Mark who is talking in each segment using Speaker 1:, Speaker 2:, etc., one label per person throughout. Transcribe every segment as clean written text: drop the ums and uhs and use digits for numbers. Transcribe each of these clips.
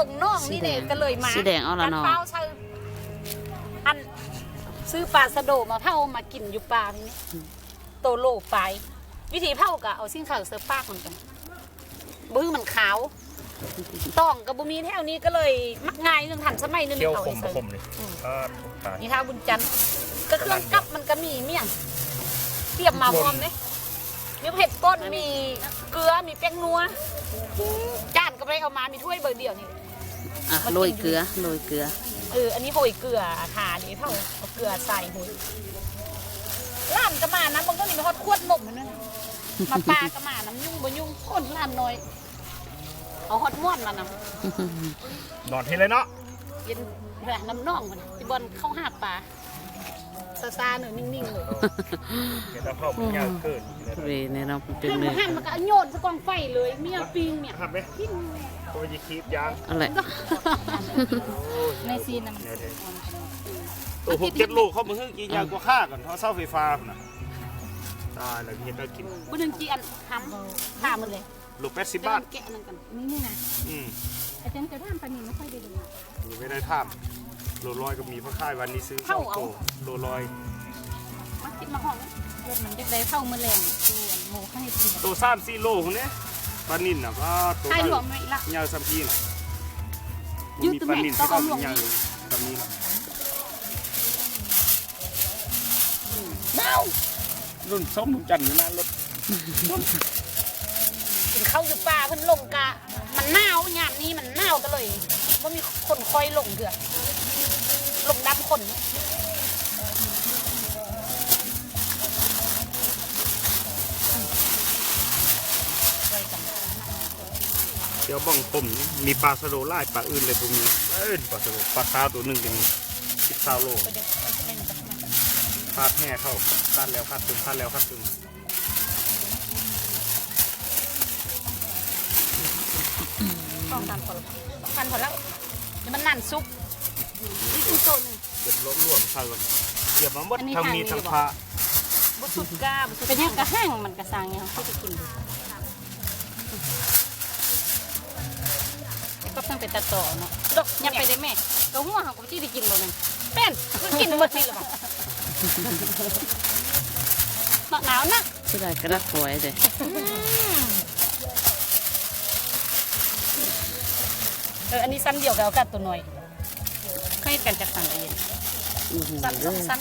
Speaker 1: ลงน่องนี่เด็กก็เลยมา
Speaker 2: สีแดงเอาละเนาะ
Speaker 1: เป้าใช่อันซื้อปลาสะโดมาเผามากินอยู่ปลาทีนี้โตโลไปวิธีเผาก็เอาสิ่งขาวเสิร์ฟปากเหมือนกันบื้อมันขาวต้องกับบุมีแถวนี้ก็เลยมักง่ายเรื่องทันสมัยนึง
Speaker 3: เที่ยว
Speaker 1: เอา
Speaker 3: ค
Speaker 1: ไอ้
Speaker 3: ม
Speaker 1: เสิร์ฟ
Speaker 3: คมเลย
Speaker 1: นี่ท้าบุญจันทร์ก็เครื่องกับมันก็มีเมี่ยงเตรียมมาพร้อมเลยมีเผ็ดก้นมีเกลือมีแป้งนัวจานก็ไปเอามามีถ้วยเบอร์เดียวนี่
Speaker 2: โรยเกลือ
Speaker 1: อันนี้โหยเกลือขานี่เท่าเอาเกลือใส่โหยล้านก็มานะบางต้นนี่มันทอดขวดนมมันนั่นมาปลาก็มาน้ำยุ่งบ่ยุ่งคนล้านน้อยเอาฮอดม้วนมาน
Speaker 3: นอนทีเลยเนาะ
Speaker 1: เย็นแบบน้ำน่องมันที่บอลเข้าหาปลาซาๆหน่อยนิ่งๆเลย
Speaker 3: เดี๋ยวเราเข้าไปยากเกิน
Speaker 2: เวในเราเป็นเนื้อ
Speaker 1: หั่นมันก็โยนสกองไฟเลยเมียปิงเนี่ย
Speaker 3: ทำไหมตัวยีคีบยาง
Speaker 2: อะไร
Speaker 1: ในซีนน่ะ
Speaker 3: ตัวผมเก็บลูกเขามาให้กินยางกว่าข้าก่อนเขาเสาไฟฟ้าน่ะตายแล้วเห็นได้กิน
Speaker 1: บุญจีอันทำข้ามันเลย
Speaker 3: ลูก80 บาท
Speaker 1: แกะนั่นกันนี่นะอาจารย์จะทำปลาหนิไม่ค่อยได้ดู
Speaker 3: ไม่ได้ทำโลลอยก็มีพระค่ายวันนี้ซื้อ2 โตโลลอย
Speaker 1: มาคิดมาห้องรถมันจะได้เข้ามาแรงตัวโมให้กิน
Speaker 3: ตัว3-4 โลคนนี้ปลานิ่นนะก็ตัวใช่หลวมไหมล่ะยาวสัมพีน่ะมีปลานิ่นที่ต้องยาวแบบนี้ละ
Speaker 1: เน่า
Speaker 3: รุ่นส้มจันทร์อยู่นั่นรถ
Speaker 1: กินข้าวอยู่ป่าเพิ่นลงกะมันหนาวงานนี้มันหนาวก็เลยว่ามีคนคอยลงเถื่อลงดับคน
Speaker 3: เดี๋ยวบ้องผมมีปลาสะโดไล่ปลาอื่นเลยพวกนี้ปลาสะโดปลาคาตัวหนึ่งเป็น10 โลคาดแห่เข้าคาดแล้วคาดตึงคาดแล้วคาดตึง
Speaker 1: ต้องการพอแล้วเดี๋ยวมันนั่นซุกนี่คือโซนหนึ่ง
Speaker 3: เก็บล้มล่วงใส่ก่อนเดี๋ยวมันวัดทางมีทางพระ
Speaker 1: บุสุดกาเป็นยังกระแห้งมันกระซังเนี่ยเขาจะกินดูก็ต้องไปตัดต่อเนาะดอกยับไปได้แม่ก็หัวเขาก็ที่ได้กินบ่มันเป็นกินหมดนี่หรอหนาวนะ
Speaker 2: สุดท้ายกระดักฝอยเลย
Speaker 1: อันนี้สั้นเดียวกับตัวน้อยเคยกันจากสั้นเองสั้น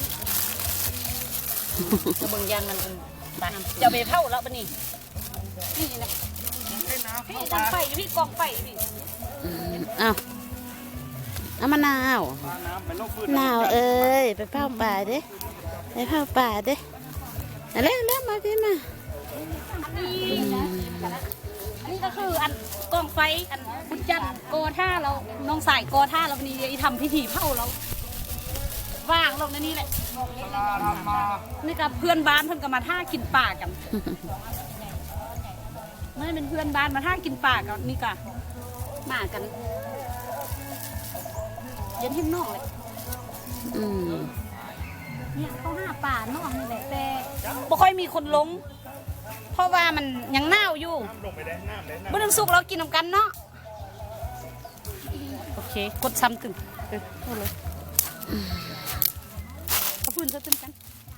Speaker 1: บางอย่างมันจะไปเผาแล้วปะนี่นี่นะพี่ทำไฟพี่กองไฟพี่
Speaker 2: เอามะนาวเอ้ยไปเผาป่าเด้ไปเผาป่าเด้เร็วมาพี่มา
Speaker 1: อันนี้ก็คืออันกองไฟอันบุญจันทร์โกท่าเราน้องสายโกท่าเราวันนี้ทำพิธีเผาเราว่างลงในนี้แหละนี่กับเพื่อนบ้านเพื่อนก็มาท่ากินป่ากันไม่เป็นเพื่อนบ้านมาท่ากินป่ากันนี่ก็มากันเย็นที่นอกเลยเนี่ยเขาห้าป่านอกนี่แหละแต่ไม่ค่อยมีคนลงเพราะว่ามันยังหนาวอยู่เมื่อนึงสุกเรากินน้ำกันเนาะโอเคกดซ้ำตึงเอาเลยเอาพื้นจะตึงกัน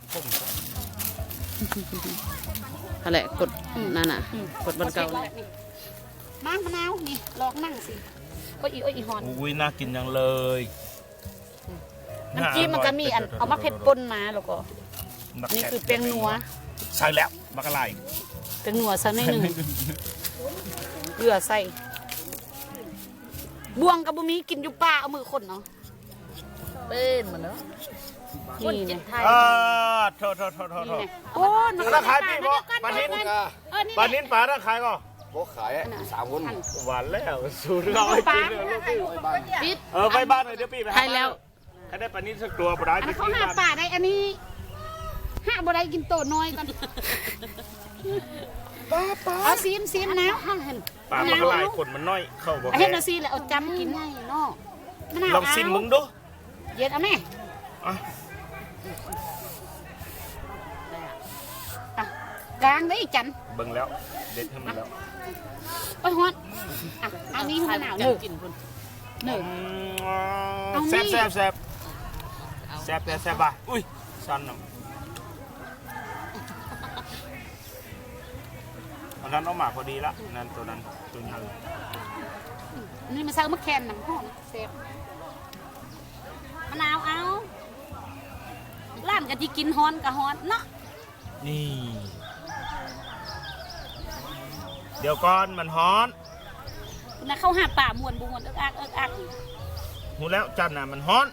Speaker 2: อะไรกดนั่นน่ะกดบนเก่า
Speaker 1: มะนาวนี่ลองนั่งสิก็อีฮอน
Speaker 3: อุ้ยน่ากินจังเลย
Speaker 1: น้ำจิ้มมันก็มีอันเอามะเผ็ดปนมาแล้วก็นี่คือแป้งนัว
Speaker 3: ใส่แล้วบักอะไร
Speaker 1: เป็นหัวซะหน่อยหนึ่งเกลือใส่บวงกับบุมีกินอยู่ป่าเอามือคนเนาะเป็นเหมือนเนาะนี่เนี่ย
Speaker 3: โทษ
Speaker 1: โอ้ย
Speaker 3: มันขายปีบ่ปลานินปลาขายก็
Speaker 4: บ่ขาย3 คน
Speaker 3: หวานแล้วสูตรเราไปกินเลย
Speaker 1: ปิด
Speaker 3: ไปบ้านเลยเดี๋ยวปีไป
Speaker 2: ให้แล้ว
Speaker 3: ให้ได้ปลานินสักตัวปลาได้
Speaker 1: เขาหาป่าได้อันนี้ห้าบ่ได้กินโตน้อยกันเอาซีมนะ
Speaker 3: ปลามันลายขนมันน้อยเข้าบ่
Speaker 1: เห็นเอาซีเลยเอาจำกินง่ายเนาะ
Speaker 3: ลองซิมมึงดู
Speaker 1: เย็นเอาแม่กลางได้จัน
Speaker 3: เบิ่งแล้วเด็ดให้มันแล้ว
Speaker 1: โอ้ยฮอตอันนี้มะนาวหนึ่งหนึ่ง
Speaker 3: แซ่บแซ่บแซ่บแซ่บแซ่บป่ะอุ้ยสั้นนะอันนั้นเอาหมาพอดีละนั่นตัวนั้นตัวใหญ่
Speaker 1: นี่มันใส่มะแคนน้ำหอมเซฟมะนาวเอาร้านกะที่กินฮอนกะฮอนเนาะ
Speaker 3: นี่เดี๋ยวก่อนมันฮ้อน
Speaker 1: นะเข้าหาป่ามวนบวนเอิกอักเอิกอัก
Speaker 3: หูแล้วจันน่ะมันฮ้อน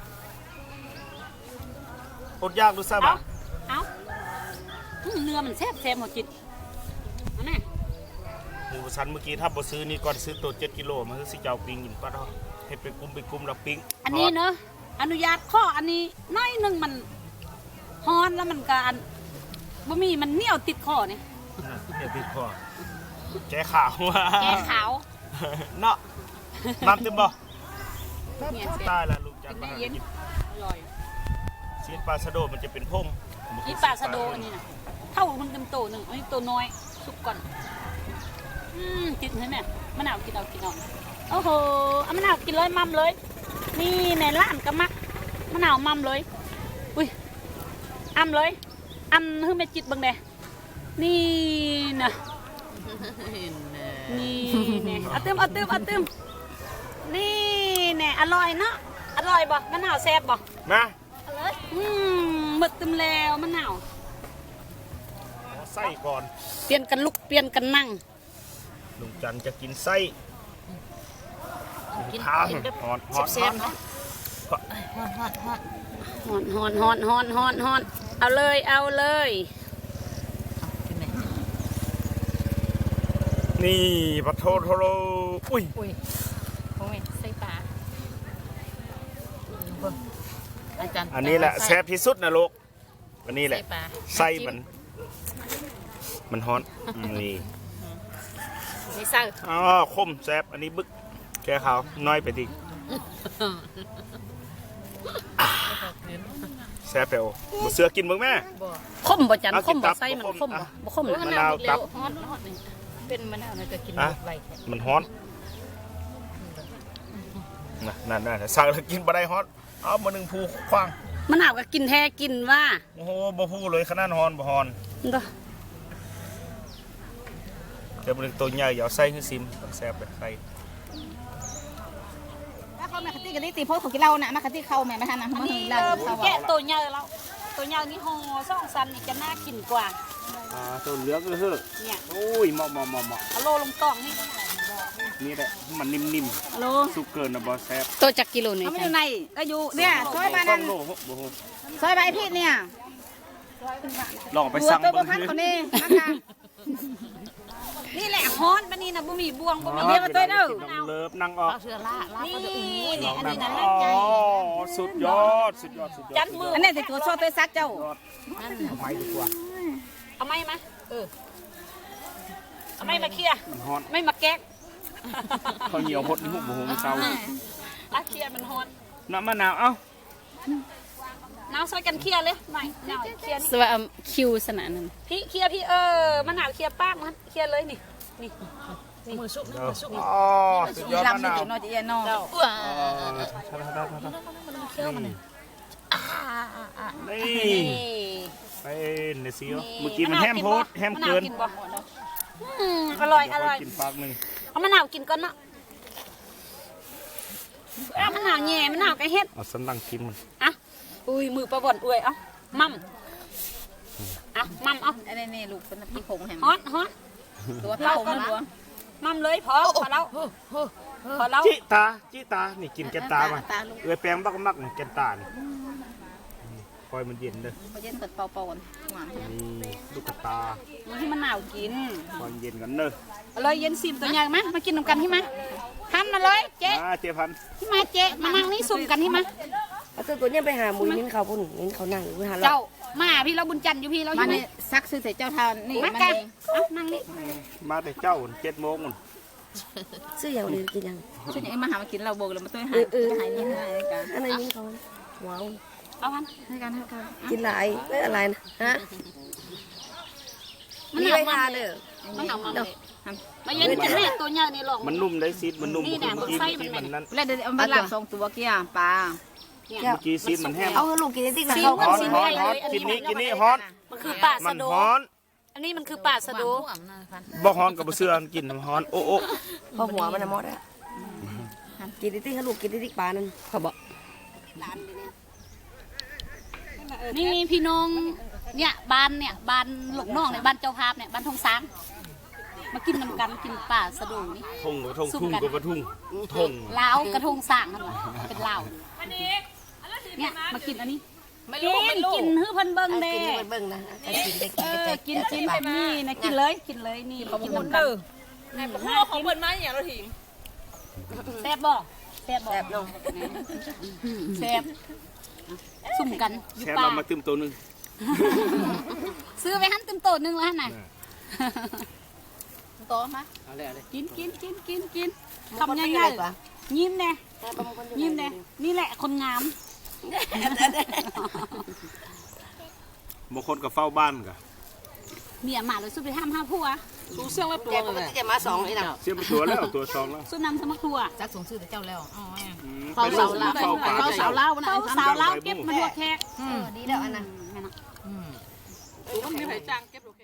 Speaker 3: อดยากดูซะบ่ะ
Speaker 1: เอาเนื้อมันแซ่บแซ่บหมดจิตอันน่ะ
Speaker 3: หมูสันเมื่อกี้ถ้าบ่ซื้อนี่ก่อนซื้อตัว7 กิโลมันคือสิเจ้าปิ้งกินปะเนาะให้ไปกุมแล้วปิ้ง
Speaker 1: อันนี้เนอะอนุญาตข้ออันนี้น้อยหนึงมันฮอนแล้วมันก็อันบะหมี่มันเหนียวติดคอเนี่ย
Speaker 3: เดี๋ยวติดคอแกขาวว่ะ
Speaker 1: แกขาว
Speaker 3: เนาะน้ำเต็มบ่
Speaker 1: เนี่ย
Speaker 3: ตายแล้วลูกจันมา
Speaker 1: เย็น
Speaker 3: กิน
Speaker 1: อร่อย
Speaker 3: ซีนปลาสะโดมันจะเป็นพง
Speaker 1: นี่ปลาสะโดอันนี้นะเท่ามันเต็มโตหนึ่งอันนี้ตัวน้อยสุกก่อนกินใช่ไหมมะนาวกินเอาโอ้โหเอามะนาวกินเลยมั่มเลย นี่ในร้านก็มักมะนาวมั่มเลยอุ้ยอ้ำเลยอ้ำคือแม่จิตบังเดนี่นะนี่เนี่ยเอาตึมนี่เนี่ยอร่อยเนาะอร่อยบ่มะนาวแซ่บบ่
Speaker 3: มา
Speaker 1: หมึกตึมแล้วมะนาว
Speaker 3: ไส้ก่อน
Speaker 1: เปลี่ยนกันลุกเปลี่ยนกันนั่ง
Speaker 3: ลุงจันจะกินไส้ข้าวฮอนฮอน
Speaker 1: แซ่บๆเนาะฮอนเอาเลย
Speaker 3: นี่ปลาโทโรอุ้ย
Speaker 1: โอ้ยใส่ปลาอาจารย์
Speaker 3: อันนี้แหละแซ่บที่สุดนะลูกอันนี้แหละไส้มันฮอนนี่
Speaker 1: ไม่ใส่
Speaker 3: อ๋อคมแซ่บอันนี้บึกแกขาวน้อยไปดิแซ่บเปล่าบ่เสือกินมึงแม่
Speaker 1: คมบ่จัน
Speaker 3: เอา
Speaker 1: ค
Speaker 3: กิ
Speaker 1: ม
Speaker 3: น
Speaker 1: บ่
Speaker 3: ตับ
Speaker 1: ใส่มัน
Speaker 3: บ่
Speaker 1: ค
Speaker 3: ค
Speaker 1: ม
Speaker 3: ม
Speaker 1: บ่
Speaker 3: อ่ะ
Speaker 1: บ่คม
Speaker 3: มะนาวตับ
Speaker 1: ฮอนนี่เป็นมะนาวน่าจะกิน
Speaker 3: อ่ะ
Speaker 1: ไว
Speaker 3: มันฮอนนั่นสั่งแล้วกินบ่ได้ฮอนเอามาหนึ่งภูคว้าง
Speaker 1: มะนาวก็กินแท้กินว่า
Speaker 3: โอ้โหบ่พูเลยขนาดฮอนบ่ฮอน
Speaker 1: เด้อ
Speaker 3: เดี๋ยวมันตัวใหญ่อย่าเอาไส้ให้ซิมแซ่บแบบไส้
Speaker 2: ถ้าเขาแม่คติกันนี่ตีโพสของกินเราน่ะมาคติเขาแม่ไม่ทันนะ
Speaker 1: อัน
Speaker 2: มา
Speaker 1: นี้
Speaker 2: เห็นเราเขา
Speaker 1: แกะตัวใหญ่แล้วตัวใหญ่นี่ห่อซ่องซันนี่จะน่ากินกว่า
Speaker 3: ตัวเหลืองเลยเฮ้อ
Speaker 1: เนี่ย
Speaker 3: โอ้ยเหมาะ
Speaker 1: เอาโลลงกล่องนี่
Speaker 3: นี่แหละมันนิ่ม
Speaker 1: โล
Speaker 3: ๆสุกเกินนะบ่แซ่บ
Speaker 1: ตัวจักกิโลนี่
Speaker 2: เขาไม่อยู่ในก็อยู่เนี่ยซอยบ้าน
Speaker 3: ต้
Speaker 2: นั้
Speaker 3: อน งโลบ่โห
Speaker 2: ซอยใบพีดเนี่ย
Speaker 3: ลองไป
Speaker 2: บัว
Speaker 3: สั่ง
Speaker 2: ตัวบั
Speaker 3: เบิ่
Speaker 2: ว
Speaker 3: ง
Speaker 2: พันคนนี้นะคะ
Speaker 1: นี่แหละฮอนบันนี้นะบ่มีบวงบ่มี
Speaker 2: เดี๋ยวมาตัวเด้อ
Speaker 3: น้ำเลิฟนั่งออก
Speaker 1: นี่นี่อันนี้นะ
Speaker 3: อ๋อสุดยอด
Speaker 1: จันมือ
Speaker 2: อันนี้สิตัวซอยตัวซักเจ้า
Speaker 3: ไม่ดีกว่า
Speaker 1: เอาไม้มาเอาไม้มาเคลียร์
Speaker 3: มันฮอน
Speaker 1: ไม่มาแก๊ก
Speaker 3: ข้าวเหนียวพดนี่หุบบ่โหมันเศร้า
Speaker 1: อาเคลียร์มันฮอน
Speaker 3: น้ำมะนาวเอ้า
Speaker 1: น้ำซอยกันเคลียร์เลยหน่อยหน่อยเคลียร์
Speaker 2: สวัสดีคิวสนานนั้น
Speaker 1: พี่เคลียร์พี่มะนาวเคลียร์ปากมันเคลียร์เลยนี่มือสุก
Speaker 3: อ๋อสุดยอดมะ
Speaker 2: ลำ
Speaker 3: นาว
Speaker 2: เดี๋ยวนอนจะเย็นนอน
Speaker 3: นี่ไปเนซิโอเมื่อกี้มันแฮมโพดแฮมเกิน
Speaker 1: อร่อย
Speaker 3: กินปากหนึ่ง
Speaker 1: เอามะนาวกินก่อนเนาะเอามะนาวแง่มะนาวกระเฮ็ด
Speaker 3: เอาสันหลังกินมัน
Speaker 1: อ่ะอุ้ยมือประบ่อนอวยเอามั่มเอามั่มเอา
Speaker 2: อันนี้ลูกเป็นพี่ผงแฮม
Speaker 1: ฮอนฮอน
Speaker 2: ตัวพี่ผงนะตัว
Speaker 1: มั่มเลยพอแล้วพอแล้ว
Speaker 3: จิตานี่กินแกนตามาเอ้ยแปลงบักมักนี่แกนตานี่คอยมันเย็นเด้อ
Speaker 2: เขาเย็นเปิดเป่าๆกันหวาน
Speaker 3: นี่ลูกกระตา
Speaker 1: มันที่มะนาวกิน
Speaker 3: คอยเย็นกันเด้อ
Speaker 1: เอาเลยเย็นซิมตัวใหญ่ไหมมากินนำกันที่มาทำมาเลยเจ๊
Speaker 3: เจ๊พัน
Speaker 1: ที่มาเจ๊มานั่งนี่ซุ่มกันที่มา
Speaker 5: เอาตัวนี้ไปหาหมูนิ้นเขาพุ่นนิ้นเขานั่งอยู่หาเรา
Speaker 1: เจ้ามาพี่เราบุญจันทร์อยู่พี่เราอ
Speaker 2: มั
Speaker 1: ยู่
Speaker 2: น
Speaker 1: นี่
Speaker 2: นี่ซักซื้อใส่เจ้าทานนี่
Speaker 1: มา
Speaker 2: มัน
Speaker 1: กัน
Speaker 2: เอง
Speaker 1: เอานั่งนี่
Speaker 3: มาแต่เจ้า7 โมงมัน
Speaker 5: ซื้ออย่างนี้กินยัง
Speaker 2: ช่วยยังมาหามากินเราโบกแล้วมาต้วยหายหายนี่ให้กัน
Speaker 5: อันไหนนิ้นเขาว้าว
Speaker 1: เอาพัน
Speaker 2: ให้กัน
Speaker 5: กินหลายไม่อะไรนะฮะ
Speaker 1: มัน
Speaker 5: นี่
Speaker 1: หนา
Speaker 5: ไป
Speaker 1: ว
Speaker 5: ทานเลย
Speaker 2: เ
Speaker 1: มันทำมาเลยมาเย็นจะให้ตัวใหญ่ในหลง
Speaker 3: มันนุ่มได้ซีดมันนุ่ม
Speaker 1: นี่แหละมันไส้มัน
Speaker 3: มันนั่น
Speaker 6: แล้วเดี๋ยวเอามาลาบ2ตัวกี้ปลา
Speaker 3: เมื่อกี้ซีดมันแห้ง
Speaker 5: เอาลูกกินติ๊กนะ
Speaker 1: ซี
Speaker 5: เขา
Speaker 1: มัน
Speaker 3: ฮ้อน
Speaker 1: ซี
Speaker 3: ฮ้อน
Speaker 1: ใหญ่
Speaker 3: ฮ้อ
Speaker 1: เล
Speaker 3: น
Speaker 1: ยอัน
Speaker 3: กิ
Speaker 1: นี้
Speaker 3: นนี่กินนี่ฮ้อน
Speaker 1: มันคือป่า
Speaker 3: มั
Speaker 1: สะ
Speaker 3: น
Speaker 1: โด
Speaker 3: ฮ้อน
Speaker 1: อันนี้มันคือป่าสะโด
Speaker 3: บ่ฮ้อนกับบ่เสื้อกินน้ำฮ้อนโอ้โอ้
Speaker 5: พอหัวมันมดอะกินติ๊กให้ลูกกินติ๊กปลานั่นเขาบอก
Speaker 1: นี่พี่น้องเนี่ยบ้านหลงน้องเนี่ยบ้านเจ้าภาพเนี่ยบ้านทงช้างมากินน้ำกันกินป่าสะโดนี่
Speaker 3: ทงกับทงทุ่งกับทุ่งทง
Speaker 1: ลาวกระทงสร้างนั่นวะเป็นลาวเนี่ยมากินอันนี้กินฮื้อเพันเบิ้งเด้
Speaker 5: กินเบิ่งนะกินได้
Speaker 1: กินแบบนี้นะกินเลยนี่กินน้ำกัน
Speaker 6: ในพวกของเพิ่นมาอย่างเราถิง
Speaker 1: แซ่บบ่แซ่บบ่
Speaker 5: แบบน้อง
Speaker 1: แซ่บสุ่มกันอยู่
Speaker 3: แค่
Speaker 1: ป่า
Speaker 3: เรามาตึมตัวนึง
Speaker 1: ซื้อไปหั่นเต็มโตนึงแล้วน่ะโตมากินคำง่ายๆยิ้มแน่ยิ้มแน่นี่แหละคนงาม
Speaker 3: บางคนก็เฝ้าบ้านกะ
Speaker 1: เมียมาเลยสู้ไปห้ามผัวสู้เสื้อไว้ตัว
Speaker 5: แกปกติจะมา2ไอ้น่ะ
Speaker 3: เสียบตัวแล้วตัวซองแล้ว
Speaker 1: สู้นำสมัครทัว
Speaker 6: จักส่งชื่อแต่เจ้าแล้วอ๋อ
Speaker 3: ไปเฝ้าป่า
Speaker 1: เขาสาวเล่านะเขาสาวเล่าเก็บมาหัวแขก
Speaker 5: ดีแล้วอันนั้น
Speaker 6: ต้องมีไผจ้างเก็บลูก